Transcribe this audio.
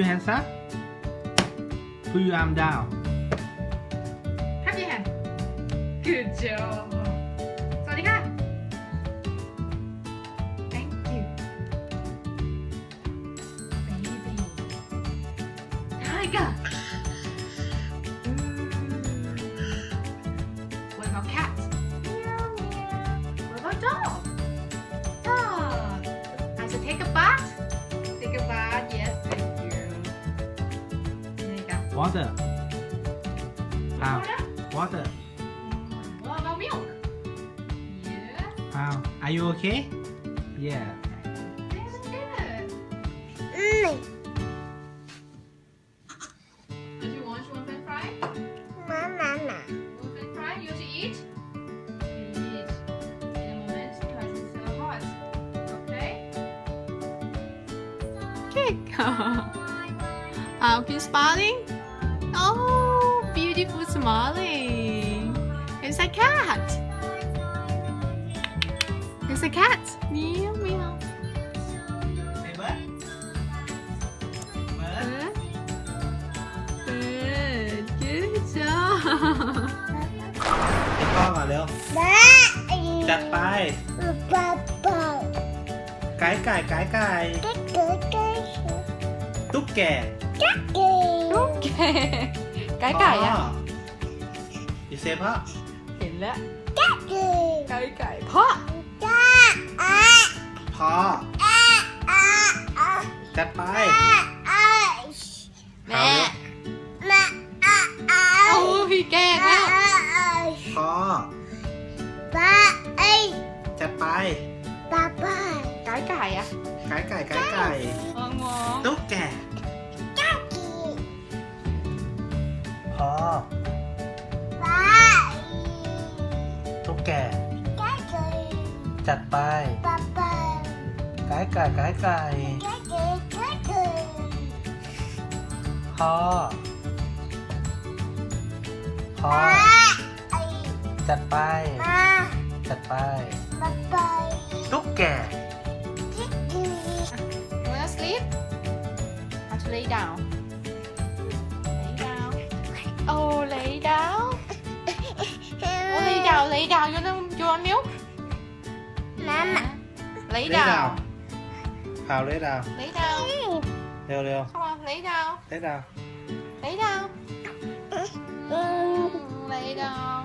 hands up. Put your arm down. Clap your hand. Good job. สวัสดีค่ะ Thank you. Baby. Tiger. What about cat? What about dog? Dog. I should take a bath. Take a bath. Yes, thank you. There you go. Water. How? Water? Water. What about milk? Yeah. How? Are you okay? Yeah. This is good. If you want french fry? Want french fry? You want to eat? Eat. In a moment because it's so hot. Okay? Cake. Keep smiling. Oh, beautiful smiling. It's a cat. It's a cat. Meow meow. Say what? What? Good. Good job. ให้พ่อก่อนเร็ว จัดไป ไก่ไก่ไก่ไก่ตุ๊กแก Okay. ไก่ไก่อะอีเซพ่อเห็นแล้วไก่ไก่พ่อพ่อ จัดไปแม่โอ้พี่แกล้งแล้วพ่อ จัดไปไก่ไก่อะไก่ไก่ไก่ไก่งอตุ๊กแก พ่อ ตุ๊กแก จัดไป ไก่ไก่ไก่ไก่พ่อ พ่อ จัดไป จัดไป ตุ๊กแก You wanna sleep? Have to lay down. Lay down. Oh, lay down. Oh, lay down, lay down. You want milk? Lay เลดาว down. ข่าวเลดาว Lay down. เร็วเร็ว Come on, lay down. เลดาว Lay down. Lay down.